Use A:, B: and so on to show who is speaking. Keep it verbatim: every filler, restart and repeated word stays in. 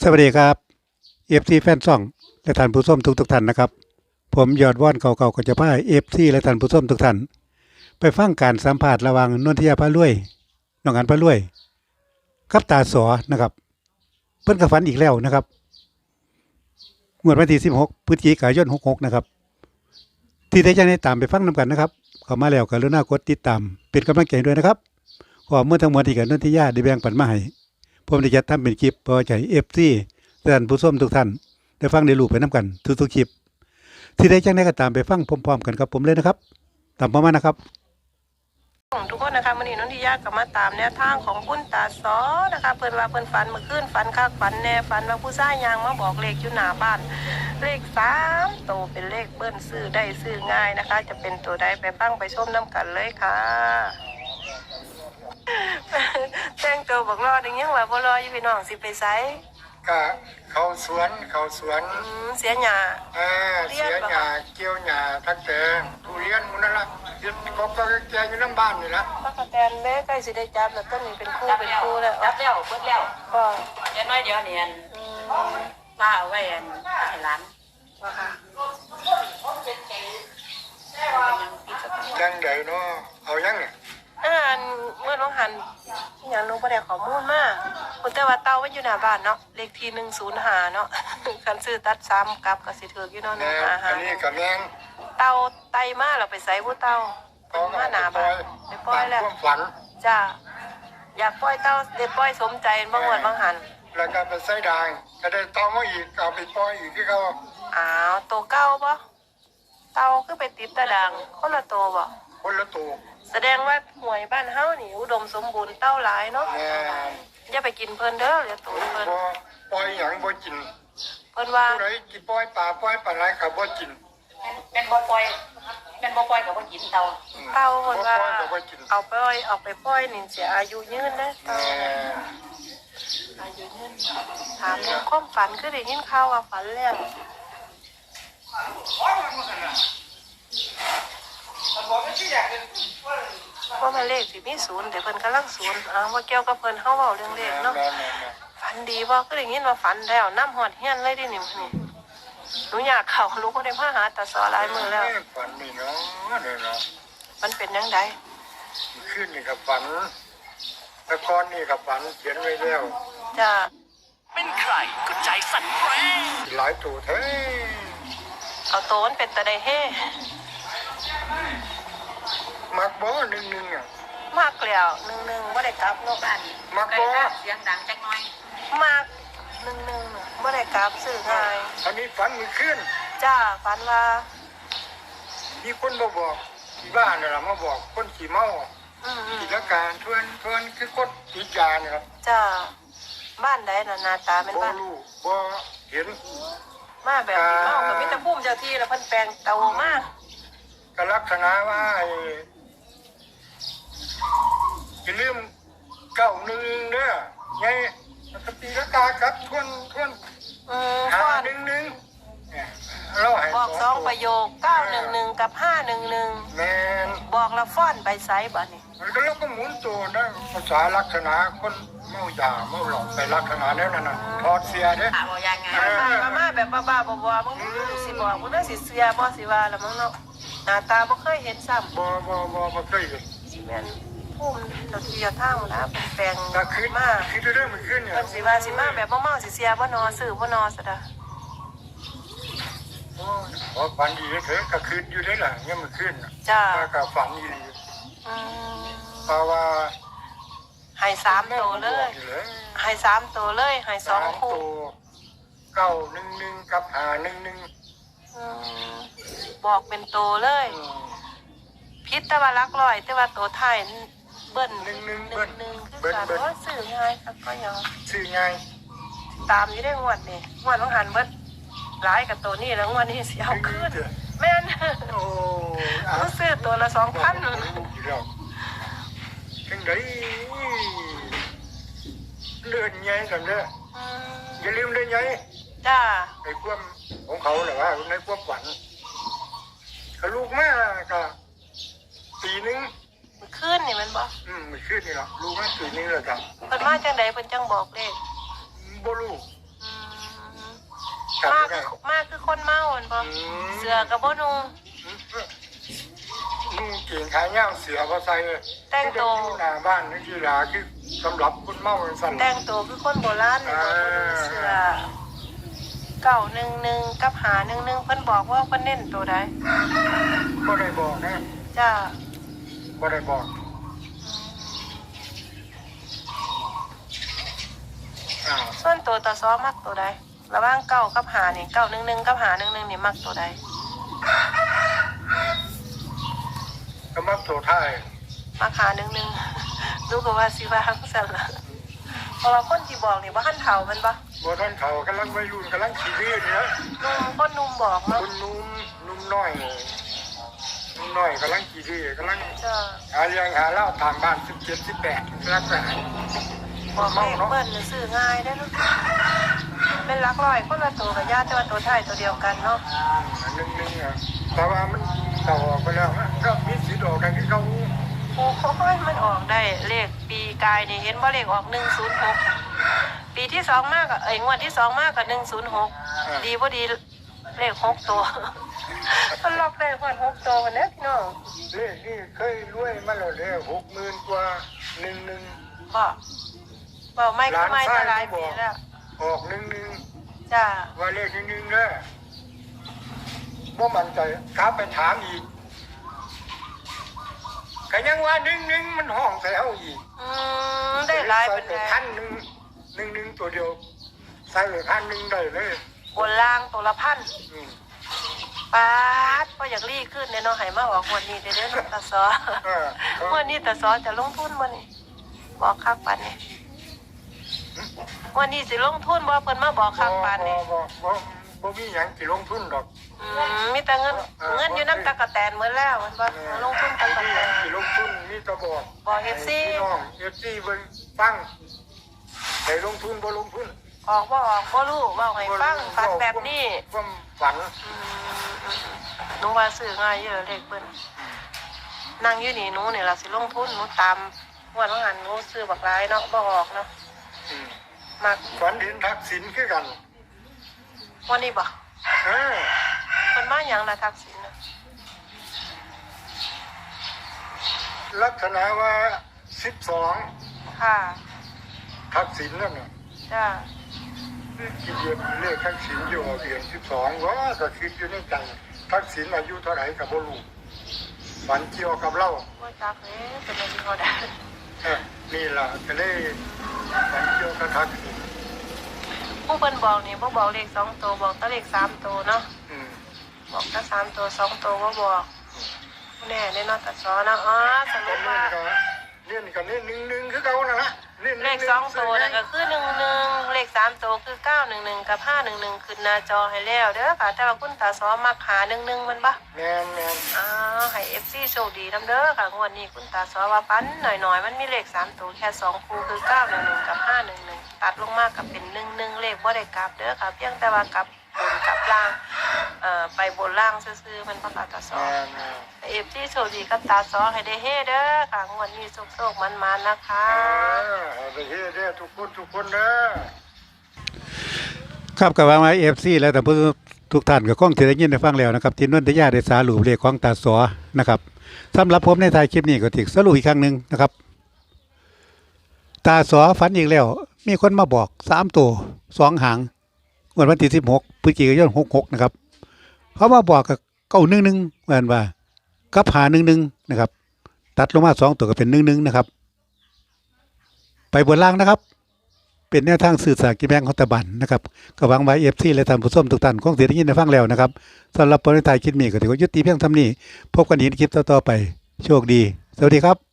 A: สวัสดีครับเอฟซีแฟนซ่องและท่านผู้ชมทุกทุกท่านนะครับผมยอดว่อนเก่าๆก็จะพาเอฟซีและท่านผู้ชมทุกท่านไปฟังการสัมภาษณ์ระหว่างนนทิยาพารวยน้องอันพารวยกับตาสอนะครับเพิ่นก็ฝันอีกแล้วนะครับงวดวันที่สิบหกพฤศจิกายนหกหกนะครับที่ได้จะได้ตามไปฟังนํกันนะครับเข้ามาแล้วก็กรุณากดติดตามเป็นกำลังใจด้วยนะครับข้อมูลทั้งหมดที่กับนนทิยาได้แบ่งปันมาให้ผมได้จัดทำเป็นคลิปเพื่อให้ เอฟ ซี ท่านผู้ชมทุกท่านได้ฟังได้รู้ไปน้ำกันทุกๆคลิปที่ได้จังได้ก็ตามไปฟังพร้อมๆกันกับผมเลยนะครับตามประมาณนะครับ
B: ทุกคนนะคะวันนี้น้องทิยากับมาตามแนวทางของคุณตาซอนะคะเพิ่นว่าเพิ่นฝันเมื่อคืนฝันคักฝันแน่ฝันว่าผู้ชายยางมาบอกเลขอยู่หน้าบ้านเลขสามตัวเป็นเลขเบิ้ลซื้อได้ซื้อง่ายนะคะจะเป็นตัวใดไปฟังไปชมน้ำกันเลยค่ะแต่งตัวบอกรออย่างยังว่าบ่รออยู่พี่น้องสิไปไส
C: ก็เขาสวนเขาสวน
B: อืมเสียหญ้า
C: อ่าเสียหญ้าเกี่ยวหญ้าทักแตงทุเรียนหมันนั่นละยึดก็ก็แกอยู่น้ำบ้านนี่ละ
B: พระกระแตนแม่ใกล้สิได้จับแล้วต้นนี้เป็นคู่เป็นคู่แล้ว
D: จับแล้วเปิดแล้ว
B: บ่
D: เดี๋ยวน้อยเดี๋ยวเนียนป้าเอาไว้อันให้หลาน
B: ว่าค่ะ
C: จังใดเนาะเอายังเนี่ย
B: อ่านเมื่อน้องหันอย่างนู้นประเดี๋ยวข้อมูลมาคุณแต่ว่าเต้าไว้อยู่หน้าบ้านเนาะเลขที่หนึ่งศูนย์ห้าเนาะ คันซื้อตัดซ้ำกับกับสิถืออยู่เนาะหนึ่งห้าห้า
C: อันนี้กับแมง
B: เต้าไตมาเราไปใส่ผู้เต้าเป็นมาหน้าบ้านไปปล่อยแล้ว
C: ความฝัน
B: จ้าอยากปล่อยเต้าเด็ดปล่อยสมใจบางวันบางหัน
C: แล้วก็ไปใส่ด่างก็ได้ตอมาอีกเอาไปปล่อยอีกที่เขา
B: อ้าวตัวเก้าปะเต้าคือไปติดตะดังคนละตัวบ่
C: คนละตัว
B: แสดงว่าหวยบ้านเฮานี่อุดมสมบูรณ์เต้าหลายเนาะ
C: แม่
B: อย่าไปกินเพิ่นเด้อเดี๋ยวตูนเพิ่น
C: บ่ปล่อยหยังบ่กิน
B: เพิ่นว่า
C: ผู้ใดกินปล่อยปลาปล่อยปลาไหลก็บ่กิน
D: เป็นบ่ปล่อยเป็นบ่ปล่อยกับบ่กินเตา
B: เต้าเพิ่นว่าเอาไปปล่อยเอาไปปล่อยนี่เสียอายุยืนนะเต้าอายุยืนถามเรื่องความฝันคือได้ยินข่าวว่าฝันแล้วว่ามันเลขสิมีศูนย์เดี๋ยวเพิ่นกำลังศูนย์อ้าวว่าเกี่ยวกับเพิ่นเฮาเว้าเรื่องเลขเนาะฝันดีบ่ก็ได้ยินว่าฝันแล้วน้ำหอดเฮียนเลยดินี่นี่หนูอยากเข้าลูกบ่ได้มาหาตาซอหลายมื้อแล้ว
C: ฝันนี่เนาะเนี่ยเนาะ
B: มันเป็นจังได๋
C: ขึ้นนี่ก็ฝันแต่ก่อนนี่ก็ฝันเขียนไว้แล้ว
B: จ้า
E: เป็นใครก็ใจสั่นแรง
C: หลายตัวแท้
B: เอาโตนเป็นตาได้เฮ
C: มักบ่หนึ่งหนึ่งอ่ะ
B: มากแล้วหนึ่งหนึ่งบ่ได้กลับเนาะบ้าน
C: มักบ่
D: เสียงดังจักหน่อย
B: มากหนึ่งหนึ่งบ่ได้กลับซื้อง่าย
C: อันนี้ฝันมือขึ้น
B: จ้าฝันว่า
C: มีคนมาบอกที่บ้านนี่ล่ะมาบอกคนขี่เมา
B: อืม
C: กิจการทวนทวนคือคนติดยาเนี่ยครับ
B: จ้าบ้านใดน่ะหน้าตาเป็น
C: บ่
B: บ้าน
C: รู้บ่เห็น
B: มาแบบนี้เมาก็มีแต่ภูมิเจ้าที่แล้วเพิ่นแปลงเตามา
C: ก็ลักษณะว่าไอ้อย่าลืมเก้าหนึ่งเด้อไงมันก็ตีละกาครับทวนทวน
B: อืม
C: หา
B: ฟ้อน
C: หนึ่งหนึ่งเนี่ยเราให้
B: บอกสองประโยคเก้าหนึ่งหนึ่งกับห้าหนึ่งหนึ่ง
C: แม่น
B: บอกแล้วฟ้อนไปไสบัดนี้
C: มันก็เราก็หมุนตัวนะภาษาลักษณะคนเมายาเมาหลอกไปลักษณะนั้นน่ะถอดเสียเด้
D: ถามว่ายังไง
B: มามาแบบบ้าๆบอๆมึงสิบอกมึงได้สิเสียบ่สิว่าแล้วมึงเนาะหน้าตาบ่เคยเห็นซ้ำ
C: บ่บ่บ่บ่เคยเห็น
B: สิแม่นภูมิเจ้าที่เจ้าทางนะเป็นแปลง
C: ก็คือ
B: มา
C: คือเรื่องมันขึ้นเนี่ย
B: เพิ่นสิว่าสิมาแบบเมาๆสิเสียบ่นอซื้อบ่นอซะดะ
C: โอ้ฝันดีเถอะก็คืนอยู่ได้ล่ะเนี่ยมันขึ้น
B: จ้า
C: ก็ฝันดี
B: อืม
C: เพราะว่า
B: ให้สามตัวเลยให้สามตัวเลยให้สองคู่
C: เก้าหนึ่งหนึ่งกับหาหนึ่งหนึ่ง
B: อืมบอกเป็นตัวเลยพิษแต่ว่ารักร้อยแต่ว่าตัวไทยเบิ้ล
C: หนึ่งหนึ่ง
B: ห
C: เบิ้
B: นึ่
C: ล
B: งหนึ่งคือ
C: เบิ้ล
B: การ
C: เบิ้ล
B: ว่าสื่อง่ายครับก็ยัง
C: ชื่อไง
B: ตามอยู่ได้งวดนี่งวดต้องหันเบิ้ลร้ายกับตัวนี้แล้วงวดนี้เสียเอาขึ้นแม่น
C: โอ้
B: ต้องซื้อตัวละสองพัน
C: ถึงได้เลื่อนไงกันเด้ออย่าลืมได้ไง
B: จ้า
C: ในความของเขาแหละว่าในความฝันเขาลูกแม่ก็ปีนึง
B: มันขึ้นนี่มันบ่
C: อืมไม่ขึ้นนี่หรอกลูกแม่ปีนึงเลยครับ
B: เพิ่นมาจังใดเพิ่นจังบอกเลข
C: บ่รู้
B: อืม
C: กลับ
B: มาก
C: ได้
B: คือมากคือคนเมาเห็นบ่
C: อืม
B: เสือกับบ่นุ่ง
C: นุ่งเก่งขายย่างเสือพอใส่เลย
B: แต่งตัว
C: ที่หน้าบ้านนี่คือหลาคือสำหรับคนเมาสั่น
B: แต่งตัวคือคนโบราณเลยบ่บ่นุ่งเสือเก้าหนึ่งหนึ่งกับหาหนึ่งหนึ่งเพิ่นบอกว่าเพิ่นเน้นตัวใด
C: ก็ได้บอกนะ
B: จ้า
C: ก็ได้บอกอ้าว
B: ส่วนตัวตาซ้อมักตัวใดระหว่างเก้ากับหานี่เก้าหนึ่งหนึ่งกับหาหนึ่งหนึ่งนี่มักตัวใด
C: ก็มักโถท้าย
B: มักหาหนึ่งหนึ่ง ดูก็ว่าสิว่าซั่นล่ะเพราะว่าคนที่บอกนี่บ่ทันเฒ่าแมันบ่
C: บท่านเขากำลังวัยรุ่นกำลังขี่เรือเนี่ย
B: นุ่มคนนุ่มบอก
C: ค
B: เนาะ
C: นนุ่มนุ่มน้อยนุ่มน้อยกำลังขี่เรือกำลัง
B: จ้า
C: หาเลี้ยงหาเหล้าทางบ้านสิบเจ็ดสิบแปดรักษา
B: บอกเลขเบิ้ลนี่ซื้อง่ายได้อลูกเป็นหลักร้อยคนละตัวกับญาติแต่ว่าตัวท้ายตัวเดียวกันเนาะ
C: หนึ่งหนึ่งอ่ะแต่ว่ามันเก่าออกไปแล้วนะก็มีสิทธิ์ออกกันที่เขา
B: โอ้โหมันออกได้เลขปีกายนี่เห็นว่าเลขออกหนึ่งศูนย์หกปีที่สองมากกับเอ้ยงวดที่สองมากกับหนึ่งศูนย์หกดีพอดีเลขหกตัว มันล็อกได้หมดหกตัววันนี้พี่น้อง
C: เลขนี่เคยรวยมาแล้วเลยหกหมื่นกว่าหนึ่งหนึ่ง
B: ก็บอกไม่ก็ไม่จะหลายปีแล้ว
C: ออกหนึ่งหนึ่ง
B: จ้า
C: ว่าเลขหนึ่งหนึ่งเด้อว่ามันใจกลับไปถามอีกก็ยังว่าหนึ่งหนึ่งมันห้องใส่เอาอีก
B: อืมได้หลายเป็น
C: ใส่
B: ไง
C: ไปพันหนึ่งหนึ่งหนึ่งตัวเดียวใส่ไปพันหนึ่งได้เลย
B: บนล่างตัวละพัน
C: อืม
B: ป๊าดพออยากรีขึ้นเนี่ยเนาะให้มาออกวันนี้เด้อเด้อน้องตาซอ
C: เออ
B: วันนี้ตาซอจะลงทุนบ่นี่บอกคักปันนี่วันนี้สิลงทุนบ่เพิ่นมาบอกคักปันนี่
C: บ่บ่บ่บ่มีหยังสิลงทุนดอก
B: อืมมีแต่เงินเงินอยู่น้ำตะกะแตนเหมือนแล้วมันบ่ลงทุนตะกะแตน
C: สิลงทุนมีแตะบอก
B: บอกเอฟซี
C: พี่น้องเอฟซีเบิ่งฟังให้ลงทุนบ่ลงทุน
B: ออกบ่ออกบ่รู้เว้าให้ฟังฝันแบบนี้
C: ความฝัน
B: อืมหนูว่าซื้อง่ายเยอะเลขเพิ่นนั่งอยู่นี่หนูนี่ล่ะสิลงทุนหนูตามงวดว่าหันหนูซื้อบักหลายเนาะบ่ออกเนาะ
C: อืม
B: มัก
C: ฝันเห็นทักษิณคือกัน
B: วันนี้บ่
C: เออ
B: เพิ่นมาหยังล่ะทักษิณน่ะ
C: ลักษณะว่าสิบสอง
B: ค่ะ
C: ทักษิณนั่นน่ะ
B: จ้า
C: คิดเดือนเลขทักษิณอยู่เดือนสิบสองว่าก็คิดอยู่ในใจทักษิณอายุเท่าไหร่ก็บ่รู้ฝันเกี่ยวกับเรา
B: ว่าจักเด้เป็นอะไรเขาได้
C: เออนี่ล่ะก็เลยฝันเกี่ยวกับทักษิณ
B: ผู้เพิ่นบอกนี่บ่บอกเลขสองตัวบอกแต่เลขสามตัวเนาะ
C: อืม
B: บอกแต่สามตัวสองตัวบ่บอกแน่แน่นอนแต่สอเนาะอ๋อส
C: ต
B: รุ
C: อน
B: ป
C: นี้
B: ว่า
C: ก็เล่นกันนี่หนึ่งหนึ่งคือเก่านั่นละเล่น
B: เลขสองตัวนั่นก็คือหนึ่งหนึ่งเลขสามตัวคือเก้าหนึ่งหนึ่งกับห้าหนึ่งหนึ่งขึ้นหน้าจอให้แล้วเด้อค่ะแต่ว่าคุณตาสอมักหาหนึ่งหนึ่งมันบ่
C: แมนแมน
B: อ้าวให้ เอฟ ซี โชคดีนำเด้อค่ะงวดนี้คุณตาสอว่าปันหน่อยๆมันมีเลขสามตัวแค่สองคู่คือเก้าหนึ่งหนึ่งกับห้าหนึ่งหนึ่งตัดลงมากับเป็นหนึ่งหนึ่งเลขบ่ได้กลับเด้อค่ะเพียงแต่ว่ากลับบนกลับล่างเอ่อไปบนล่างซื่อๆมันบ่ค่ะตาส
C: แม
B: อ
C: นแมน
B: เอฟซีโชคดีกับตาสอให้ได้เฮเด้อค่ะงวดนี้โชคๆมันๆนะคะ
C: เออเอาไปเฮ็ดเด้อทุกคนทุกคนเด้อ
A: ครับกับว่ามาเอฟซีและแต่ผู้ทุกท่านก็คงจะได้ยินได้ฟังแล้วนะครับที่นนทยาได้สารุปเลขของตาสอนะครับสำหรับผมในท้ายคลิปนี้ก็ติสรุปอีกครั้งหนึ่งนะครับ ตาสอฝันอีกแล้ว มีคนมาบอกสามตัวสองหางวันวันที่สิบหกพฤศจิกายนหกหกนะครับเขามาบอกกับเก้าหนึ่งหนึ่งเหมือนว่ากับหาหนึ่งหนึ่งนะครับ ตัดลงมาสองตัวก็เป็นหนึ่งหนึ่งนะครับ ไปบนล่างนะครับ เป็นแนวทางสื่อสารกิจแบงของตะบันนะครับก็หวังไว้เอฟซีและท่านผู้ชมทุกท่านคงเสียได้ยินได้ฟังแล้วนะครับสำหรับปริทายคลิปนี้ก็ถือว่ายุติเพียงเท่านี้พบกันอีกในคลิปต่อๆไปโชคดีสวัสดีครับ